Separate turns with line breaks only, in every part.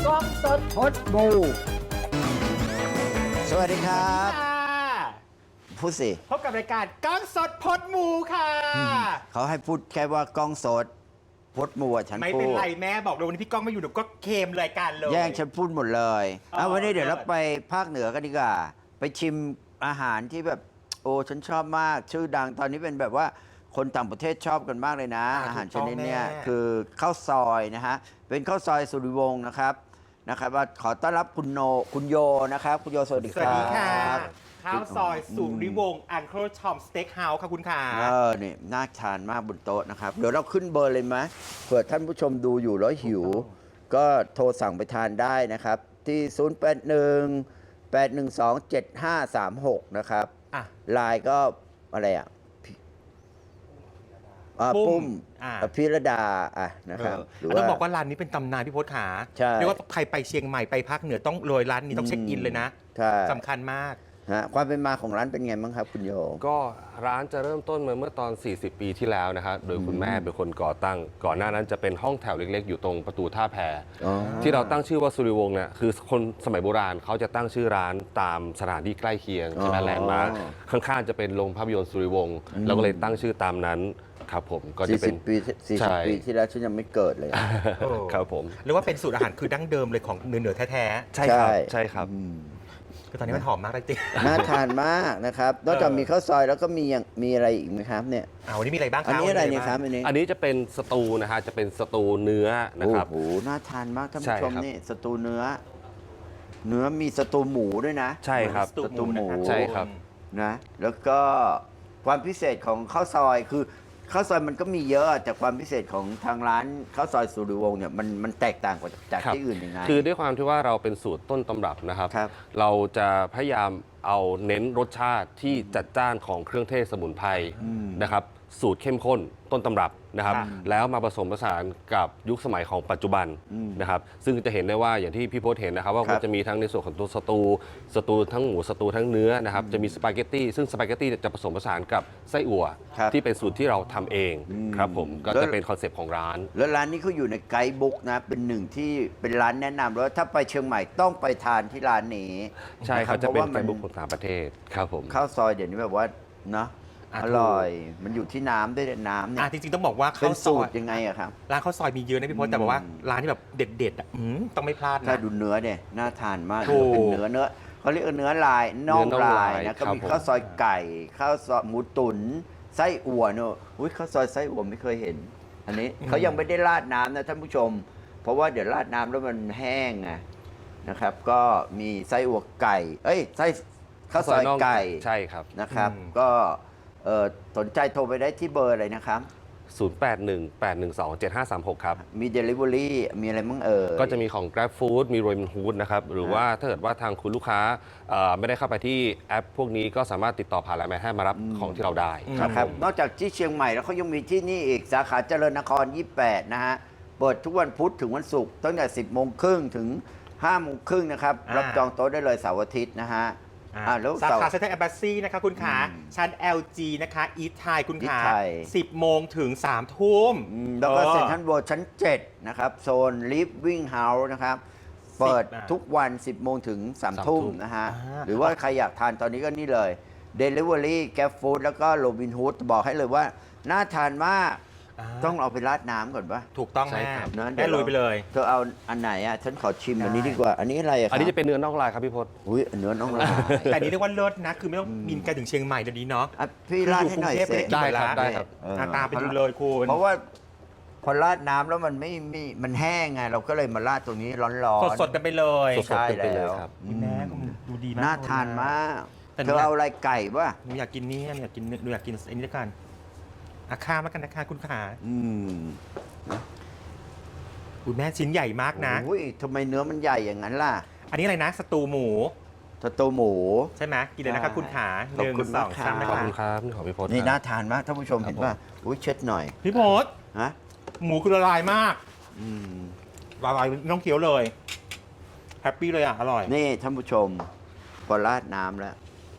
กล้องสดพดบูสวัสดีครับพูดสิ
พบกับรายการกล้องสดพดหมูค่ะ
เขาให้พูดแค่ว่ากล้องสดพดมูฉันพูด
ไม่เป็นไรแม่บอกเลยวันนี้พี่ก้องไม่อยู่หนูก็เคมรายการเลย
แย่งฉันพูดหมดเลยวันนี้เดี๋ยวเราไปภาคเหนือกันดีกว่าไปชิมอาหารที่แบบโอ้ฉันชอบมากชื่อดังตอนนี้เป็นแบบว่าคนต่างประเทศชอบกันมากเลยนะอาหารชนิดนี้คือข้าวซอยนะฮะเป็นข้าวซอยสุริวงศ์นะครับว่าขอต้อนรับคุณโยนะครับคุณโยสวัสดีครับ
สวัสดีค่ะข้าวซอยสุริวงศ์อังเคิลชอมสเต็กเฮาส์ค่ะคุณค่ะ
นี่น่าทานมากบนโต๊ะนะครับเดี๋ยวเราขึ้นเบอร์เลยไหมเผื่อท่านผู้ชมดูอยู่แล้วหิวก็โทรสั่งไปทานได้นะครับที่0818127536นะครับไลน์ก็อะไรอ่ะปุ้มพิรดานะครับ
ต้องบอกว่าร้านนี้เป็นตำนานพี่พศขาเรียกว่าใครไปเชียงใหม่ไปภาคเหนือต้องโรยร้านนี้ต้องเช็คอินเลยนะสำคัญมาก
ความเป็นมาของร้านเป็นไงบ้างครับคุณโย
ก็ร้านจะเริ่มต้นมาเมื่อตอน40 ปีที่แล้วนะครับโดยคุณแม่เป็นคนก่อตั้งก่อนหน้านั้นจะเป็นห้องแถวเล็กๆอยู่ตรงประตูท่าแพที่เราตั้งชื่อว่าสุริวงศ์เนี่ยคือคนสมัยโบราณเขาจะตั้งชื่อร้านตามสถานที่ใกล้เคียงใช่ไหมแลนด์มาร์คข้างๆจะเป็นโรงภาพยนตร์สุริวงศ์เราก็เลยตั้งชื่อตามนั้นครับผม
ก็จะเป็น40 ปีที่แล้วฉันยังไม่เกิดเลย
ครับผม
เรียกว่าเป็นสูตรอาหารคือดั้งเดิมเลยของเหนือแท้
ๆใช่ครับใช่ครับ
คือตอนนี้มันหอมมากจริง
น่าทานมากนะครับนอกจากมีข้าวซอยแล้วก็มีอะไรอีกไหมครับเนี่ย
วันนี้มีอะไรบ้างครับ
อันนี้อะไรเนี่ยครับ
อันนี้จะเป็นสตูนะฮะจะเป็นสตูเนื้อนะครับ
โอ้โหน่าทานมากท่านผู้ชมนี่สตูเนื้อมีสตูหมูด้วยนะ
ใช่ครับ
สตูหมู
ใช่ครับ
นะแล้วก็ความพิเศษของข้าวซอยคือข้าวซอยมันก็มีเยอะแต่ความพิเศษของทางร้านข้าวซอยสุริวงศ์เนี่ยมันแตกต่างกว่าจากที่อื่นยังไง
คือด้วยความที่ว่าเราเป็นสูตรต้นตำรับนะครับเราจะพยายามเอาเน้นรสชาติที่จัดจ้านของเครื่องเทศสมุนไพรนะครับสูตรเข้มข้นต้นตำรับนะครับแล้วมาผสมผสานกับยุคสมัยของปัจจุบันนะครับซึ่งจะเห็นได้ว่าอย่างที่พี่โพสเห็นนะครับว่ามันจะมีทั้งในส่วนของตัวสตูทั้งหมูสตูทั้งเนื้อนะครับจะมีสปาเกตตี้ซึ่งสปาเกตตี้จะผสมผสานกับไส้อั่วที่เป็นสูตรที่เราทำเองครับผมก็จะเป็นคอนเซปต์ของร้าน
แล้วร้านนี้เขาอยู่ในไกด์บุ๊กนะเป็นหนึ่งที่เป็นร้านแนะนำแล้วถ้าไปเชียงใหม่ต้องไปทานที่ร้านนี้
ใช่ครับจะเป็นไกด์บุ๊กของต่างประเทศครับผม
ข้าวซอยเดี๋ยวนี้แบบว่าเนาะอร่อยมันอยู่ที่น้ำด้วยน้ำเนี่ย
จริงๆต้องบอกว่า
เป็นสูตรยังไงอะครับ
ร้านข้าวซอยมีเยอะนะพี่พศแต่บอกว่าร้านที่แบบเด็ดๆต้องไม่พลาดนะ
ถ้าดูเนื้อเนี่ยน่าทานมากเป็นเนื้อเขาเรียกเนื้อลายน่องลายนะก็มีข้าวซอยไก่ข้าวซอยหมูตุ๋นไส้อั่วเนอะข้าวซอยไส้อั่วไม่เคยเห็นอันนี้เขายังไม่ได้ราดน้ำนะท่านผู้ชมเพราะว่าเดี๋ยวราดน้ำแล้วมันแห้งไงนะครับก็มีไส้อั่วไก่ไส้ข้าวซอยไก่
ใช่ครับ
นะครับก็สนใจโทรไปได้ที่เบอร์อะไรนะครับ
0818127536ครับ
มี Delivery มีอะไรมั่ง
ก็จะมีของ Grab Food มี Robinhood นะครับหรือว่าถ้าเกิดว่าทางคุณลูกค้าไม่ได้เข้าไปที่แอปพวกนี้ก็สามารถติดต่อผ่านไลน์แมนให้มารับของที่เราได้
ครับนอกจากที่เชียงใหม่แล้วเขายังมีที่นี่อีกสาขาเจริญนคร28นะฮะเปิดทุกวันพุธถึงวันศุกร์ตั้งแต่ 10:30 ถึง 5:30 นะครับรับจองโต๊ะได้เลยเสาร์อาทิตย์นะฮะ
สาขาเซ็นทรัลแอมบาสซีนะคะคุณขาชั้น LG นะคะอีทไทยคุณขา10 โมงถึง 3 ทุ่ม
แล้วก็เซ็นทรัลเวิลด์ชั้น 7 นะครับโซนลิฟวิ่งเฮาส์นะครับเปิดทุกวัน 10 โมงถึง 3 ทุ่มนะฮะหรือว่าใครอยากทานตอนนี้ก็นี่เลย Delivery Grab Food แล้วก็ Robinhood บอกให้เลยว่าน่าทานมากต้องเอาไปราดน้ำก่อนปะ
ถูกต้องแม่ลุยไปเลย
เธอเอาอันไหนอ่ะฉันขอชิมอันนี้ดีกว่าอันนี้อะไรอ่ะ
อันนี้จะเป็นเนื้อน่องลายครับพี่พศ
เนื้อน่องลาย
แต่นี้เรียกว่าเลิศนะคือไม่ต้องบินไกลถึงเชียงใหม่เดี๋ยวนี้เนาะ
พี่ราดให้หน่อยสิ
ได้ครับ
ตามไปดูเลยคุณ
เพราะว่าพอราดน้ำแล้วมันแห้งไงเราก็เลยมาราดตรงนี้ร้อน
ๆสดกันไปเลย
ใช่แล้ว
แม่ดูดีมาก
น่าทานมากเธอเอาอะไรไก่ป่ะ
หนูอยากกินนี่อยากกินอันนี้ด้วยกันข้ามแล้วกันนะคะคุณขาคุณแม่ชิ้นใหญ่มากนะ
ทำไมเนื้อมันใหญ่อย่างนั้นล่ะ
อันนี้อะไรนะสตูหมูใช่ไหมกินเลยนะครับคุณขา1 2 3
ขอบคุณครับขอบพี่พศ
นี่น่าทานมากท่านผู้ชมเห็นป่ะเช็ดหน่อย
พี่พศหมูคือละลายมากละลายไม่ต้องเคี้ยวเลยแฮปปี้เลยอร่อย
นี่ท่านผู้ชมพอราดน้ำแล้ว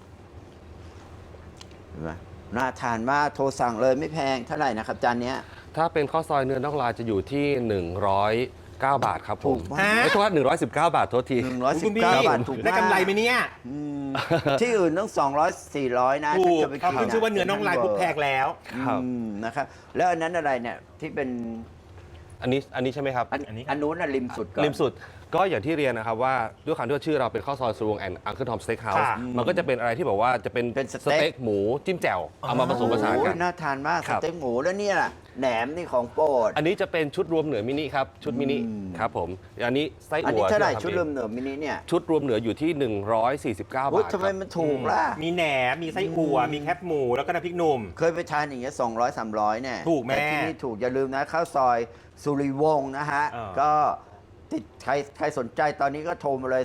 เห็นไหมน่าทานมากโทรสั่งเลยไม่แพงเท่าไหร่นะครับจานนี้
ถ้าเป็นข้าวซอยเนื้อน่องลายจะอยู่ที่ 119 บาทครับผม
ถูกมาก
ไม่โทษ119 บาทโทษที
คุณพี่
119 บาทถูกมาก
ได้กำไรไหมเนี่ย
อืมที่อื่นต้อง200 400นะ
ถูก
ถ้าจะไป
เขา
กิน
ขึ้นชื่อว่าเนื้อน่องลายปุ๊บแพงแล้ว
ครับ
นะครับแล้วอันนั้นอะไรเนี่ยที่เป็น
อันนี้ใช่ไหมครับ
อันนี้
อันนู้นน่ะริมสุดก่อน
ริมสุดก็อย่างที่เรียนนะครับว่าด้วยความที่ว่าชื่อเราเป็นข้าวซอยสุวงแอนด์อังเคิลทอมสเต็กเฮาส์
ค่ะ
มันก็จะเป็นอะไรที่แบบว่าจะเป็น
เป็นส
ส
เต็ก
เต็กหมูจิ้มแจ่วเอามาผสมผสานกัน
โอ้ยน่าทานมาก
ค
ส
รับ
เต็กหมูแล้วเนี่ยล่ะแหนมนี่ของโปรด
อันนี้จะเป็นชุดรวมเหนือมินิครับชุดมินิ
อืม
ครับผมอันนี้ไส้
อัน
อั่
นี้
ว
เท่าไหร่
ที่
ชุด
ทำ
เริ่
เอง
มเหนือมินิเนี่ย
ชุดรวมเหนืออยู่ที่ 149 บา
อุ๊ย
ท
ทำไม
ครับ
มันถูกล่ะ
มีแหนมมีไส้อั่วมีแคบหมูแล้วก็น้ำพริกหนุ่ม
เคยไปทานอย่างเงี้ย200 300เนี่ย
ถูกแม่
แต่ที่นี่ถูกอย่าลืมนะข้าวซอยสุริวงศ์นะฮะ
อ่า
ก็ติดใครสนใจตอนนี้ก็โทรมาเลย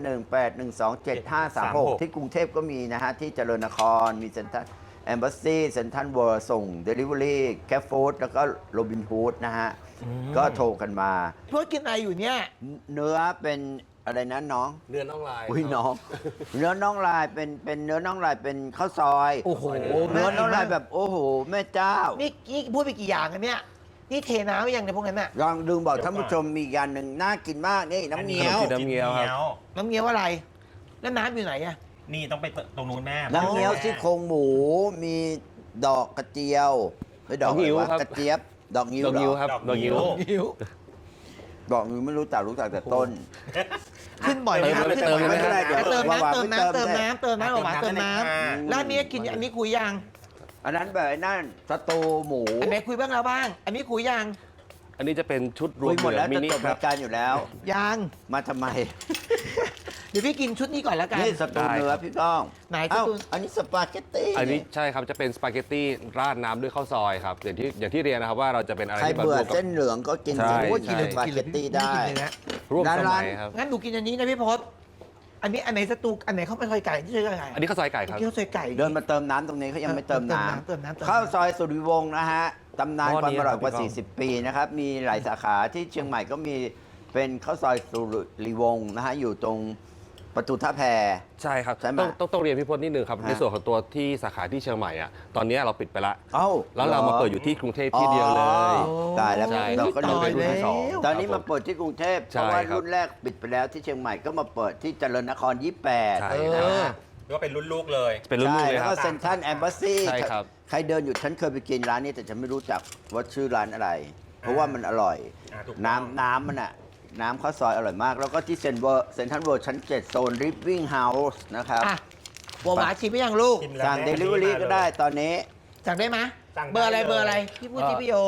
0818127536 ที่กรุงเทพก็มีนะฮะ ที่เจริญนครมีเซ็นทรัลแอมบ s สซีเซ็นทรัลเวิร์ส่ง Delivery แคฟฟู้ดแล้วก็โรบินฮูดนะฮะ ก็โทรกันมา
เพื่อกินอะไรอยู่เนี่ย
เนื้อเป็นอะไรนะน้อง
เนื้อน่องลาย
อุ้ยน้อง เนื้อน่องลายเป็นเนื้อน่องลายเป็นข้าวซอย
โอ้โห
เนื้อน่องลายแบบโอ้โหแม่เจ้า
นี่พูดไปกี่อย่างกันเนี่ย นี่เทน้ำหรือยังในพวกนั้นน่ะ
ลองดึงบอกท่านผู้ชมมีอีกอย่างหนึ่งน่ากินมากนี่น้ำเงี้ยว
น้ำเงี้ยวครับ
น้ำเงี้ยวอะไร แล้วน้ำอยู่ไหนอะ
นี่ต้องไปตรงนู้นแม่
น้ำเงี้ยวซี่โครงหมูมีดอกกระเจียวไม่ดอก
ดอกงิ้ว
อะไรวะ
ครับ
กระเจี๊ยบดอกงิ้ว
ดอกงิ้ว
เหรอ
ครับดอกงิ้ว
นิ้ว
ดอกงิ้วไม่รู้จักแต่ต้น
ขึ้นบ่อยไหมครับ
เติมเลย
ขึ้นบ่อย
เติมเลย
เติม
ว่า
น้ำเติมน้ำ
เติ
เติ
ม
ม
ได้
น้ำเติมน้ำออกมาเติมน้
อืม
ำแล้วอันนี้กินอันนี้คุยยัง
อันนั้นแบบไอ้นั่นสตูหมู
อันไหนคุยบ้างแล้วบ้าง อันนี้คุยยัง
อันนี้จะเป็นชุดรว
คุ
ม
ยห
เห
มด
นื
แล้
อ
ว
มิ
จะ
นิ
จบ
ครั
รา
บ
ยการอยู่แล้ว
ยัง
มาทำไม
เดี๋ยวพี่กินชุดนี้ก่อนแล้วกัน
นี่สตู
ได้
เนื้อ
ครับ
พี่ก้อง
ไหนสตู
เอ้าอันนี้สปาเกตตี้
อันนี้ใช่ครับจะเป็นสปาเกตตี้ราดน้ำด้วยข้าวซอยครับอย่างที่เรียนนะครับว่าเราจะเป็นอะไร
ใคร
ที่แบบ
เบื่อ
รวมกับ
เส้นเหลืองก็กิน
ใช่
โอ้ย
ใช่
กินสปาเกตตี้ได้
กินเลยนะ
ร่วมส
ร้า
มั
น
ยครับ
งั้นหนูกินอันนี้นะพี่พศอันนี้อันไหนสตูอันไหนข้าวมันซอยไก่ที่ซอยไก่
อันนี้ข้าวซอยไก่ครับ
ข้าวซอยไก่
เดินมาเติมน้ำตรงนี้เขายังไม่เติมน้ำ
เติมน้ำ
ข้าวซอยสุริวงศ์นะฮะ ตำนาน
หม้อ
ความ
นี้
อร่อยกว่า
ครับพี่ก้อง
40 ปีนะครับ มีหลายสาขาที่เชียงใหม่ก็มีเป็นข้าวซอยสุริวงศ์นะฮะ อยู่ตรงประตูท่าแพ
ใช่ครับ
ใช่ไหม
ต้องเรียนพี่พจน์นิดนึงครับ
ฮะ
ในส่วนของตัวที่สาขาที่เชียงใหม่อ่ะตอนนี้เราปิดไปละ
เอ้า
แล้วเรามาเปิดอยู่ที่กรุงเทพที่เดียวเลย
อ๋อตายแล้ว
ใช่
เราก็
เรา
รู้
เป็นรุ่นที่สอง
ตอนนี้
ค
มา
รับผ
เปิดที่กรุงเทพเพ
ใช่
ราะว่า
ครับ
รุ่นแรกปิดไปแล้วที่เชียงใหม่ก็มาเปิดที่เจริญนคร
ใช่
28
เอ
ครับ
อ
ก็เป็นรุ่นลูกเลย
เป็นรุ่น
ใช่
ๆเลย
แล้ว
ค
ก็
รับ
เซ็นทรัลแอมบ s สซี
ใช่ครับ
ใครเดินอยู่ฉันเคยไปกินร้านนี้แต่ฉันไม่รู้จักว่าชื่อร้านอะไร เพราะว่ามันอร่อย
ถูกต้อง
น้ำมันอะน้ำข้าวซอยอร่อยมาก แล้วก็ที่เซ็นทรัลเวิลด์ชั้น 7 โซนริฟวิ่งเฮาส์นะครับ
อ่ะบัวหวานชิมไปยังลูก
ชิมแล้ว
สั่ง
แม่
Delivery ก็ได้ตอนนี้
สั่งได้ไหม
สั่งได้
เบอร์อะไร
เลย
เบอร์อะไรพี่พูดที่พี่โย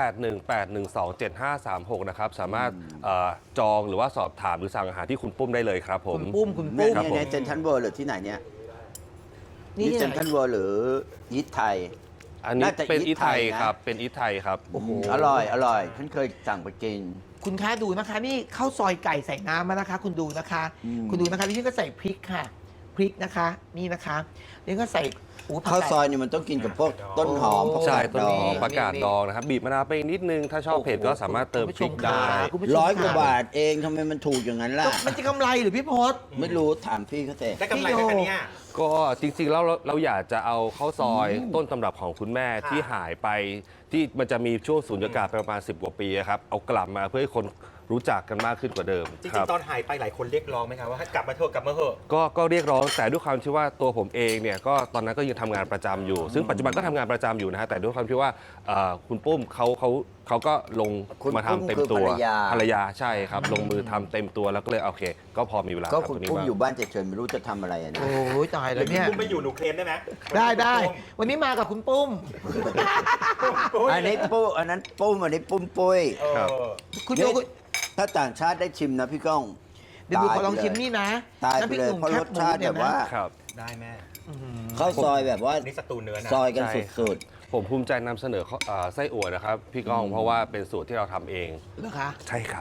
0818127536 นะครับ สามารถจองหรือว่าสอบถามหรือสั่งอาหารที่คุณปุ้มได้เลยครับผม
คุณปุ้มคุณ
เนี่
ปุ้
ย
ม
ครับผม
ในเซ็นทรัลเวิลด์หรือที่ไหนเนี่ย
นี่
นี่
ที่
เซ็น
ไห
ทรั
น
ลเวิลด์หรือยิทไทย
อันนี้
น่าจะ
เป็น
อี
อี
ท
ทไทย
ไทยนะ
ครับ เป็นอีทไทยครับ
อร่อยฉันเคยสั่งไปกิน
คุณคะดูนะคะ นี่ข้าวซอยไก่ใส่น้ำมานะคะ คุณดูนะคะ คุณดูนะคะพี่ก็ใส่พริกค่ะ พริกนะคะ นี่นะคะนี่ก็ใส่ผัก
ข้าว
ไก่
ซอยนี่มันต้องกินกับพวกต้นหอมพวก
ใช่
ผัก
ต้นหอม
ดอง
ประกาศดองนะครับ บีบมะนาวไปนิดนึง ถ้าชอบเผ็ดก็สามารถเติมพริกได้
คุณผู้ชมค่ะ
100 กว่าบาทเองทำไมมันถูกอย่างนั้นล่ะ
ก็มันจะกำไรหรือพี่พศ
ไม่รู้ถามพี่เขาแต่
ได้กำไรไหมคะเนี่ย
ก็จริงๆแล้วเราอยากจะเอาข้าวซอยต้นตำรับของคุณแม่ที่หายไปที่มันจะมีช่วงสูญญากาศไปประมาณ10 กว่าปีอะครับเอากลับมาเพื่อให้คนรู้จักกันมากขึ้นกว่าเดิม
จริ
ครั
ง
บ
ๆตอนหายไปหลายคนเรียกร้องไหมครับว่าให้กลับมาเถอะกลับมาเถอะ
ก็เรียกร้องแต่ด้วยความที่ว่าตัวผมเองเนี่ยก็ตอนนั้นก็ยังทำงานประจำอยู่ ซึ่งปัจจุบันก็ทำงานประจำอยู่นะฮะแต่ด้วยความที่ว่าคุณปุ้มเขาก็ลง
คุณ
มาทำเต็ม
ปุ้มคือ
ตัว
ภรรยา
ใช่ครับ ลงมือทำเต็มตัวแล้วก็เลยโอเค ก็พอมีเวลา
ก็
ทำ
คุณ
ตรงนี้
ปุ้ม
บ้าง
อยู่บ้านเฉยๆไม่รู้จะทำอะไรอะนะ
โอ้ยตายแล้วเนี่ย
คุณไปอยู่หนูเคลมได้ไหม
ได้วันนี้มากับคุณปุ้ม
อันนี้ปุ้มอันนั้นปุ้มอันนี้ปุ้มปุ้ย
ครับ
คุณโย
นี่ ถ้าต่างชาติได้ชิมนะพี่ก้อง
เดี๋ยวดูขอลอง
ตายไป
ชิมนี่นะ
ตายไป
น้ำพริก
เลย
หนุ่ม
เพราะ
แค
ร
บ
ส
หมู
ชาติ
เนี่
แบ
ย
บว่า
ครับ
ได้แม่
ข้าวซอยแบบว่า
นี่สตูเนื้อนะ
ซอยกัน
ใช่ครับ
สุด
ผมภูมิใจนำเสนอไส้อั่วนะครับพี่ก้องเพราะว่าเป็นสูตรที่เราทำเอง
เหรอคะ
ใช่ครับ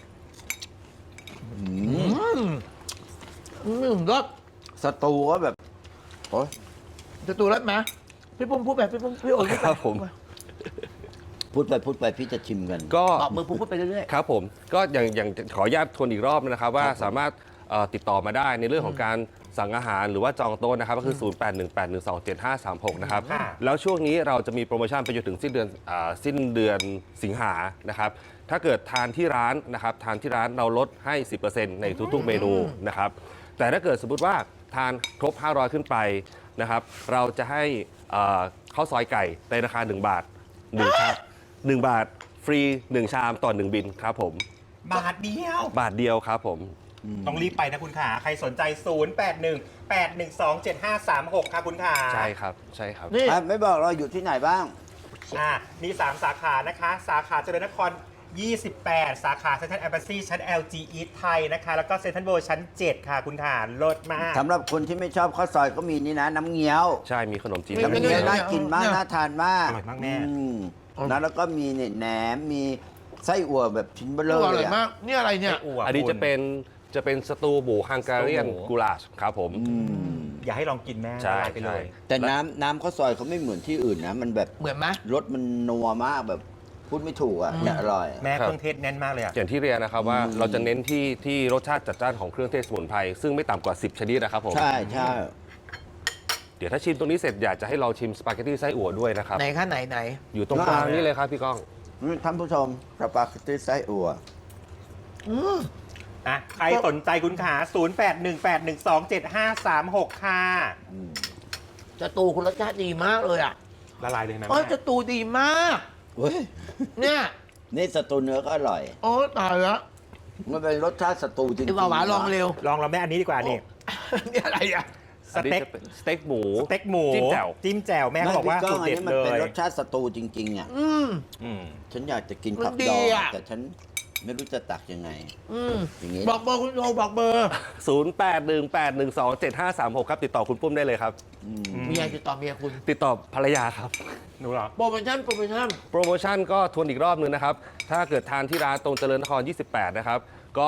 รส
ๆสตูก็แบบโอ้ย
จะตูรสไหมพี่ปุ้มพูดแบบพี่ปุ้มพี่โอ๋พูดไป
ครับผม
พูดไปพี่จะชิมกัน
ก็
ตอบมือพูดไปเรื่อย
ครับผมก็อย่างขออนุญาตทวนอีกรอบนะครับว่าสามารถติดต่อมาได้ในเรื่องของการสั่งอาหารหรือว่าจองโต๊ะนะครับก็คือ 0818127536 นะครับ
ค่ะ
แล้วช่วงนี้เราจะมีโปรโมชั่นไปจนถึงสิ้นเดือนสิงหานะครับ ถ้าเกิดทานที่ร้านนะครับทานที่ร้านเราลดให้ 10% ในทุกๆเมนูนะครับ แต่ถ้าเกิดสมมติว่าทานครบ 500 ขึ้นไปนะครับ เราจะให้ข้าวซอยไก่ในราคา 1 บาท 1 ชาม1 บาทฟรี 1 ชามต่อ 1 บินครับผม
บาทเดียว
บาทเดียวครับผม
ต้องรีบไปนะคุณขาใครสนใจ 0818127536 ค่ะคุณขา
ใช่ครับใช่ครับ
นี่
ไม่บอกเราอยู่ที่ไหนบ้าง
มี 3 สาขานะคะ สาขาเจริญนคร 28 สาขาเซ็นทรัลแอมบาซีชั้น LG East ไทยนะคะ แล้วก็เซ็นทรัลเวิลด์ชั้น 7 ค่ะคุณขาเลิศมาก
สำหรับคนที่ไม่ชอบข้าวซอยก็มีนี่นะ น้ำเงี้ยว
ใช่มีขนมจีน
มี
น้ำ
น้ำ
เงี้
เงี้
ย
ยว ว
น่ากินมาก
เนี่ย
น่าทานมาก
อร่อยมากแม่
นะแล้วก็มีเนี่ยแหนมมีไส้อั่วแบบชิ้นเบล
อ
อ
ร่
เล
อย
ย
มา
อะ
กนี่อะไรเนี่ย
ไส้อั่ว
อันนี้
คุณ
จะเป็นสตูบูฮังการีน
สตูหมู
กูลาชครับผม
อย่าให้ลองกินแม่
ใช่
ละลายไปเลย
แต่น้ำข้าวซอยเขาไม่เหมือนที่อื่นนะ มันแบบ
เหมือนไหม
รสมันนัวมากแบบพูดไม่ถูกอ่ะแต่อร่อย
แม่เครื่องเทศแน่นมากเลยอะ
อย่างที่เรียนนะครับว่าเราจะเน้นที่รสชาติจัดจ้านของเครื่องเทศสมุนไพรซึ่งไม่ต่ำกว่า 10 ชนิดนะครับผม
ใช่ใช่
เดี๋ยวถ้าชิมตรงนี้เสร็จอยากจะให้ลองชิมสปาเกตตี้ไส้อั่วด้วยนะครับ
ไหนคะไหน
อยู่ตรงกลางนี่เลยครับพี่ก้อง
ท่านผู้ชมสปาเกตตี้ไส้อั่ว
ใครสนใจคุณขา 0818127536 ค่ะ
จะตูคุณรสชาติดีมากเลยอ่ะ
ละลายเลยนะ
โอ้ย
แม่
จะตูดีมาก
เว้ย
เนี่ย
นี่สตูเนื้อก็อร่อย
โอ้ตายแล้ว
มันเป็นรสชาติสตูจริง
ไอ้บ่าวหวานลองเร็ว
ลองเราแม่อันนี้ดีกว่านี่
นี่อะไรอ่ะ
สเต็ก
อันนี้จะเป็นสเต็กหมู
สเต็กหมู
จิ้มแจ่ว
จิ้มแจ่วแม่เขาบอกว่า
ไม่
สู
พี่
ตร
ก้อง
เด็
อัน
ด
นี้มัน
เล
เป็น
ย
รสชาติสตูจริงๆอ่ะ
อืม
อืม
ฉันอยากจะกิน
มัน
ผัก
ดี
ดอง
อะ
แต่ฉันไม่รู้จะตักยังไง
อืม
อย่างนี้
บอกเบอร์คุณโทรบอกเบอร์
0818127536 ครับ ติดต่อคุณปุ้มได้เลยครับ
เมียติดต่อเมียคุณ
ติดต่อภรรยาครับ
หนูเหรอ
โปรโมชั่น
โปรโมชั่นก็ทวนอีกรอบนึงนะครับ ถ้าเกิดทานที่ร้านตรงเจริญนคร 28 นะครับ ก็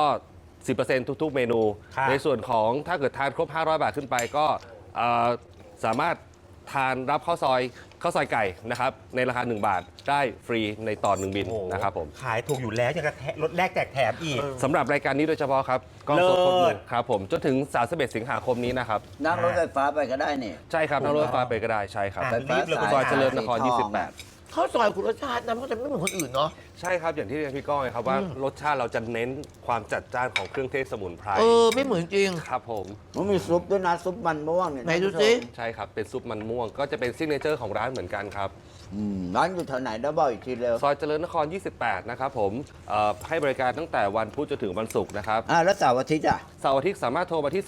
10% ทุกๆ เมนู
ครับ
ในส่วนของถ้าเกิดทานครบ 500 บาทขึ้นไปก็สามารถทานรับข้าวซอยไก่นะครับ ในราคา 1 บาทได้ฟรีในต่อ 1 บิน
โอ้โห
นะครับผม
ขายถูกอยู่แล้วยังกระลดแลกแจกแถมอีก
สำหรับรายการนี้โดยเฉพาะครับกล้องสดครบ
เลิ
มื
ศ
อครับผมจนถึง 31 สิงหาคมนี้นะครับ
นั่งรถไฟฟ้าไปก็ได้เนี่ย
ใช่ครับนั่งรถไฟฟ้าไปก็ได้ใช่ครับ
อ่ะ
ไฟฟ้า
รีบเลย
สาย
ซอยเจริญนคร
สีทองอะ
28
ข้าวซอยคุณรสชาตินะมันจะไม่เหมือนคนอื่นเนาะ
ใช่ครับ อย่างที่เรียนพี่ก้องเลยครับว่ารสชาติเราจะเน้นความจัดจ้านของเครื่องเทศสมุนไพร
ไม่เหมือนจริง
ครับผม
มันมีซุปด้วยนะซุปมันม่วงเนี่ย
ไหนดู
ท่าผู้ชม
สิ
ใช่ครับ เป็นซุปมันม่วง ก็จะเป็นซิกเนเจอร์ของร้านเหมือนกันครับ
ร้านอยู่แถวไหนเดี๋ยวบอกอีกทีเร็ว
ซอยเจริญนคร 28 นะครับผมให้บริการตั้งแต่วันพุธจนถึงวันศุกร์นะครับ
แล้วเสาร์อาทิตย์อ่ะ
เสาร์อาทิตย์สามารถโทรมาที่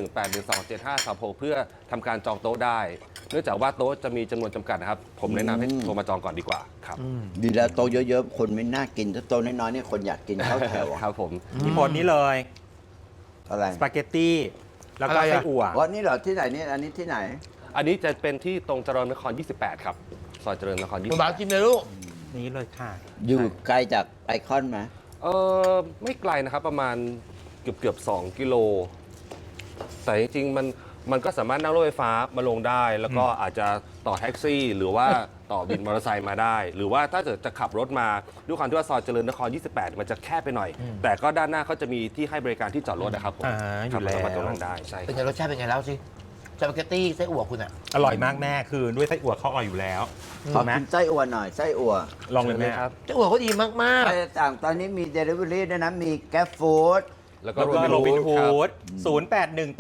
0818127536 เพื่อทำการจองโต๊ะได้ เนื่องจากว่าโต๊ะจะมีจำนวนจำกัดนะครับ ผมแนะนำให้โทรมาจองก่อนดีกว่าครับ
ดีแล้วโตะเยอะๆ คนไม่น่ากินถ้าโตะน้อยๆเนี่ยคนอยากกินข้าวแถวอะ
ครับผม
ที่ผลนี้เลย
อะไร
สปาเกตตี้แล้วก็
อะไรอะ
ไส้อั่ว
วันนี้เหรอที่ไหนเนี่ยอันนี้ที่ไหน
อันนี้จะเป็นที่ตรงเจริญนคร 28 ครับ ซอยเจริญนคร
คุณบาสกินเลยลูก
นี้เลยค่ะ
อยู่ไกลจากไอคอนไหม
ไม่ไกลนะครับประมาณเกือบ2 กิโล แต่จริงๆมันก็สามารถนั่งรถไฟฟ้ามาลงได้ แล้วก็อาจจะต่อแท็กซี่ หรือว่าต่อบินมอเตอร์ไซค์มาได้ หรือว่าถ้าเกิดจะขับรถมาด้วยความที่ว่าซอยเจริญนคร 28 มันจะแคบไปหน่อย แต่ก็ด้านหน้าเขาจะมีที่ให้บริการที่จอดรถนะครับผม
อยู่แล้ว
ขับรถมาตรงนั้นได้ใช่
เป็นไงรสชาติเป็นไงแล้วสิสปาเกตตี้ไส้อั่วคุณอ่ะ
อร่อยมากแม่คือด้วยไส้อั่วเขาอร่อยอยู่แล้ว
ขอ
ถูกไหม
กินไส้อั่วหน่อยไส้อั่ว
ลองเลยแม่
ครับ
ไส้อั่วเขาดีมาก
ไส้ต่างตอนนี้มีเดลิเวอรี่ด้วยนะ มีแกร็บฟู้ด
แล้วก็
แล้วก็โรบินฮู
ครับ
ด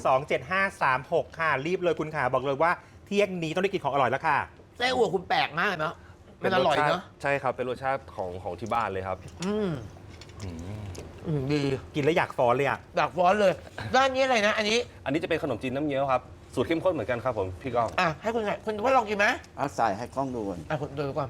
0818127536 ค่ะ รีบเลยคุณขาบอกเลยว่าเที่ยงนี้ต้องได้กินของอร่อยแล้วค่ะ
ๆไส้อั่วคุณแปลกมากเนาะมันอร่อยเนาะ
ใช่ครับ เป็นรสชาติของที่บ้านเลยครับ
ดี
กินแล้วอยากฟ้อนเลยอ่ะ
ดักฟ้อนเลย ด้านนี้อะไรนะ อันนี้
อันนี้จะเป็นขนมจีนน้ำเงี้ยวครับ สูตรเข้มข้นเหมือนกันครับผมพี่ก้อง
ให้คุณไงคุณว่าลองกินไหม
เอาใส่ให้กล้องดูก่อน
คุณดูก่อน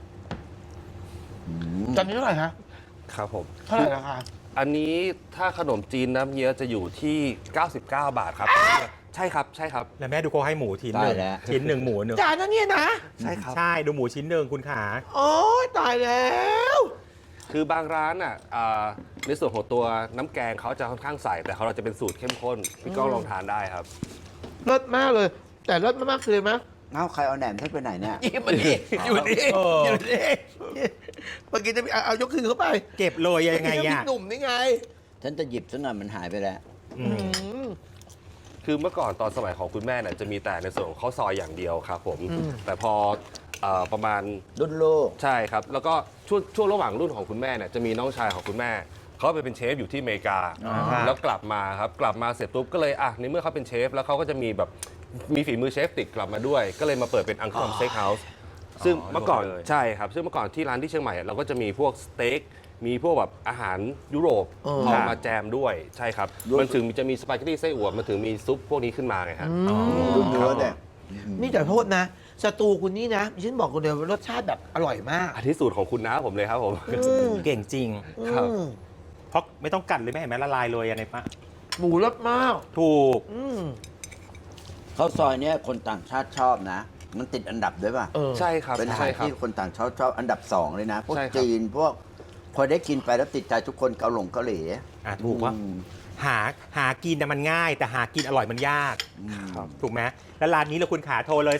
ตอนนี้เท่าไหร่คะ
ครับผม
เท่าไหร่ราคา
อันนี้ถ้าขนมจีนน้ำเงี้ยวจะอยู่ที่ 99 บาทครับ ใช่ครับ ใช่ครับ
แล้วแม่ดูเขาให้หมูชิ้นหนึ่ง
ได้แล้ว
ชิ้นหนึ่งหมูหนึ่ง
จานนั้นเนี่ยนะ
ใช่ครับ
ใช่ดูหมูชิ้นหนึ่งคุณขา
โอ้ยตายแล้ว
คือบางร้านอ่ะในส่วนของตัวน้ำแกงเขาจะค่อนข้างใสแต่ของเราจะเป็นสูตรเข้มข้นพี่ก้องลองทานได้ครับ
เลิศมากเลย แต่เลิศมากๆคือไหม
เอาใครเอาแหนมเทศไปไหนเนี่ย
นี่มันนี่อยู่นี่
เออ
อ
อ
ยู่นี่เมื่อกี้จะเอายกคืนเข้าไป
เก็บเลยยังไง
พี่
อ่ะ
หนุ่มนี่ไง
ฉันจะหยิบซะหน่อยมันหายไปแล้ว
อืม
คือเมื่อก่อนตอนสมัยของคุณแม่เนี่ยจะมีแต่ในส่วนของข้าวซอยอย่างเดียวครับผม แต่พอประมาณ
รุ่นลูก
ใช่ครับ แล้วก็ช่วงระหว่างรุ่นของคุณแม่เนี่ยจะมีน้องชายของคุณแม่เขาไปเป็นเชฟอยู่ที่อเมริกา แล้วกลับมาครับกลับมาเสร็จปุ๊บก็เลยในเมื่อเขาเป็นเชฟแล้วเขาก็จะมีแบบมีฝีมือเชฟติดกลับมาด้วย ก็เลยมาเปิดเป็นอังคอมสเต็กเฮาส์ซึ่งเมื่อก่อนใช่ครับซึ่งเมื่อก่อนที่ร้านที่เชียงใหม่เราก็จะมีพวกสเต็กมีพวกแบบอาหารยุโรปเอามาแจมด้วยใช่ครับมันถึงจะมีสปาเกตตี้ไส้อั่วมันถึงมีซุปพวกนี้ขึ้นมาไงครับ
รุ่นเนื้อเนี่ย
นี่แต่โทษนะสตูคุณนี่นะฉันบอกคนเดียวว่ารสชาติแบบอร่อยมาก
อันที่สูตรของคุณน้าผมเลยครับผม
เก่งจริง
ครับ
เพราะไม่ต้องกัดเลยไม่เห็นไหมละลายเลยในปะ
หมูรสมาก
ถูก
ข้าวซอยเนี่ยคนต่างชาติชอบนะ มันติดอันดับด้วยป่ะ
ใช่ครับ
เป็นอาหา
ใช่
ร
ครับ
ที่คนต่างชาติชอบอันดับ 2 เลยนะ พวก
ใช่ครับ
จีนพวกพอได้กินไปแล้วติดใจทุกคนเกาหลี
ถูกว่า
อืม
หากินน่ะมันง่าย แต่หากินอร่อยมันยาก
ครับ
ถูกไหมแล้วร้านนี้เราคุณขาโทรเลย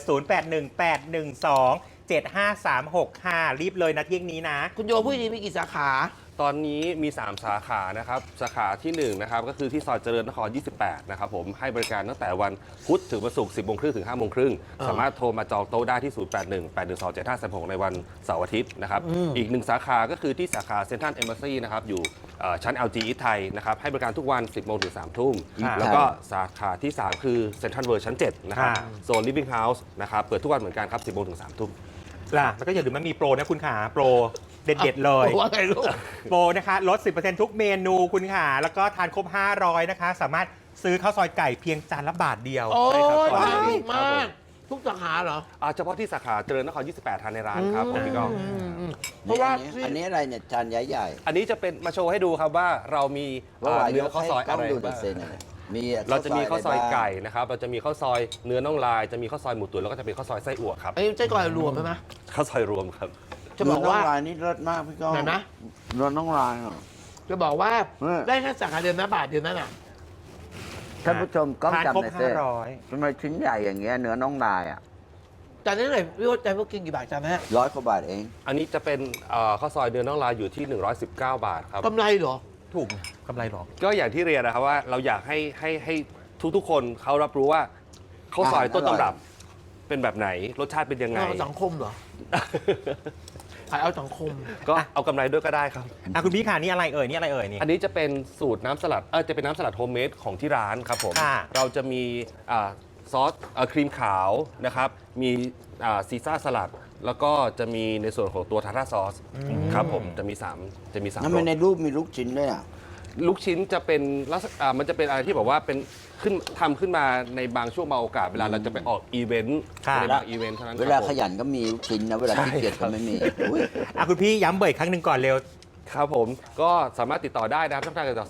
0818127536ค่ะรีบเลยนะเที่ยงนี้นะ
คุณโยพูดดีมีกี่สาขา
ตอนนี้มี 3 สาขานะครับ สาขาที่1นะครับก็คือที่ซอยเจริญนคร 28 นะครับผมให้บริการตั้งแต่วันพุธถึงวันศุกร์ 10 โมงครึ่งถึง 5 โมงครึ่งสามารถโทรมาจองโต๊ะได้ที่ 0818127536 ในวันเสาร์อาทิตย์นะครับ อีก 1 สาขาก็คือที่สาขาเซ็นทรัลเอมบาซีนะครับอยู่ชั้น LG East ไทยนะครับให้บริการทุกวัน 10 โมงถึง 3 ทุ่ม
ค่ะ
แล้วก็สาขาที่ 3 คือเซ็นทรัลเวิร์ชั้น 7 นะครับ
ค่ะ
โซน Living House นะครับเปิดทุกวันเหมือนกันครับ 10 โมงถึง 3 ทุ่ม
ล่ะแล้วก็อย่าลืมมันมีโปรนะคุณขาโปรเด็ดๆเลย
ว่าไงลูก
โปรนะคะลด 10%ทุกเมนูคุณขาแล้วก็ทานครบ 500 นะคะ สามารถซื้อข้าวซอยไก่เพียงจานละบาทเดียว
โอ้ย
ใช่ครับ
ดี
ครับ
มา
ผ
ก ทุกสาขาเหรอ
เฉพาะที่สาขาเจริญนคร 28 ทานในร้านครับผมพี่ก้อง
เพราะว่า
อันนี้อะไรเนี่ยจานใหญ่
อันนี้จะเป็นมาโชว์ให้ดูครับว่าเรามี
ๆว่าหวาย
เนื้อข้าวซอย
ต้
อะ
อง
ไร
ดูดิ
บ้าง
เซนเนี่ยมี
เราจะมีข้าวซอยไก่
ะรบ้าง
นะครับ เราจะมีข้าวซอยเนื้อน่องลาย จะมีข้าวซอยหมูตุ๋นแล้วก็จะเป็นข้าวซอยไส้อั่วครับ
ไอ้ใจก่อนรวมใช่ไหม
ข้าวซอยรวมครับ
จะบอกว่า
เนื้น้องลายนี่เลิศมากพี่ก้อง
ไหนนะ
เนื้อน้องลายอ่ะ
จะบอกว่า
เออ
ได้แค่สาขาเดียวนะบาทเดียวนั่นน่ะ
ท่านผู้ชมกล้อง
ทาน
จับ
ครบ
หน่อยเซ่
500
ทำไมชิ้นใหญ่อย่างเงี้ยเนื้อน้องลายอ่ะ
จานนี้หน่อยพี่ว่าใจพวกกินกี่บาทจานนะฮะ
100 กว่าบาทเอง
อันนี้จะเป็นข้าวซอยเนื้อน่องลายอยู่ที่ 119 บาทครับ
กำไรเหรอ
ถูกกำไรหรอ
ก็อย่างที่เรียนนะครับว่าเราอยากให้ทุกๆคนเขารับรู้ว่าข้าวซอยต้นตำรับเป็นแบบไหนรสชาติเป็นยังไง
เอาสังคมเหรอ ขายเอาสังคม
ก็เอากำไรด้วยก็ได้ครับ
คุณพี่ขานี่อะไรเอ่ยนี่อะไรเอ่ยนี่
อันนี้จะเป็นสูตรน้ำสลัดจะเป็นน้ำสลัดโฮมเมดของที่ร้านครับผม
ค่ะ
เราจะมีซอสครีมขาวนะครับ มีซีซ่าสลัด แล้วก็จะมีในส่วนของตัวทาร์ทาซอสครับผมจะมี3จะมี3
ทำไม
รส
ในรูปมีลูกชิ้นด้วยอ่ะ
ลูกชิ้นจะเป็นลักษณะมันจะเป็นอะไรที่แบบว่าเป็นทำขึ้นมาในบางช่วงบางโอกาสเวลาเราจะไปออกอีเวนต์
ค่ะ
ในบางอีเวนต์เท่านั้น
เวลา
ครับผม
ขยันก็มีลูกชิ้นนะ เวลาขี้เกียจก็ไม่มีอุ๊ย
คุณพี่ย้ำเบอร์อีกครั้งหนึ่งก่อนเร็ว
ครับผมก็สามารถติดต่อได้นะครับช่องทางการติดต่อ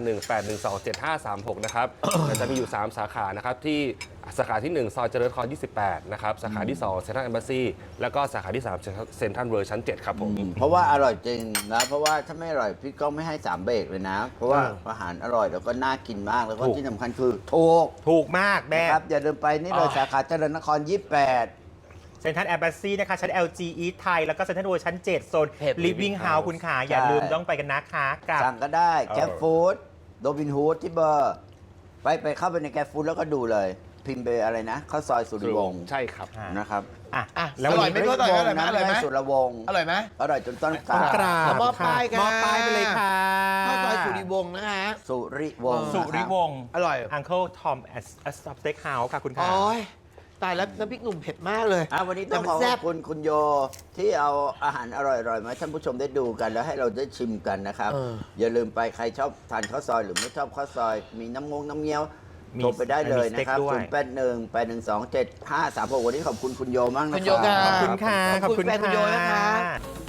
0818127536 นะครับ จะมีอยู่ 3 สาขานะครับ ที่สาขาที่ 1 ซอยเจริญนคร 28 นะครับ สาขาที่ 2 เซ็นทรัลเอมบาซีแล้วก็สาขาที่ 3 เซ็นทรัลเวิร์ชั้น 7 ครับผม
เพราะว่าอร่อยจริงนะ เพราะว่าถ้าไม่อร่อยพี่ก้องไม่ให้ 3 เบรกเลยนะ เพราะว่าอาหารอร่อยแล้วก็น่ากินมากแล้วก็
ถูก
ที่สำคัญคือถูก
ถูกมากแม่
นะครับอย่าลืมไปนี่เลย
อ๋อ
สาขาเจริญนคร 28
เซ็นทรัลแอมบาซีนะคะชั้น LG East ไทยแล้วก็เซ็นทรัลเวิลด์ชั้น 7 โซน
เพจ
Living House คุณขาอย่าลืมต้องไปกันนะคะกับ
สั่งก็ได้แกร็บฟู้ดโรบินฮูดที่เบอร์ ไปเข้าไปในแกร็บฟู้ดแล้วก็ดูเลย พิมพ์ไปอะไรนะข้าวซอยสุริวงศ์
ใช่ครับ
นะครับ
อ่ะ
อ่ะ
แล้ว
อ
วัน
ร่อย
นี้
ไหม อร่อยไหมอร่อยไหม
สุรวงศ์
อร่อยไหม
อร่อยจนต้นก
ต้องก
รา
รา
บบ
ค่ะ
มอบป้ายค่ะ
มอบป้ายไปเลยค่ะ
ข้าวซอยสุริวงศ์นะคะ
สุริวงศ์
สุริว
นะคบ
งศ์
อร่อย
Uncle Tom at Steak House ค่ะคุณขา
โอ้ยตายแล้วน้ำพริกหนุ่มเผ็ดมากเลย
วันนี้ต้องขอ
แต่มัน
ข
แซ่
อบบ คุณคุณโยที่เอาอาหารอร่อยๆมาให้ท่านผู้ชมได้ดูกัน แล้วให้เราได้ชิมกันนะครับ อย่าลืมไปใครชอบทานข้าวซอยหรือไม่ชอบข้าวซอย มีน้ำเงี้ยว
มี
โทรไปได้เลยนะครับ
มีสเต็กด้วย
0818127536วันนี้ขอบคุณคุณโยมากนะ
คุณโย
ครั
ค่ะ
ขอบคุณค่ะ
ขอบคุณแฟนคุณโยนะคะ
ค่ะ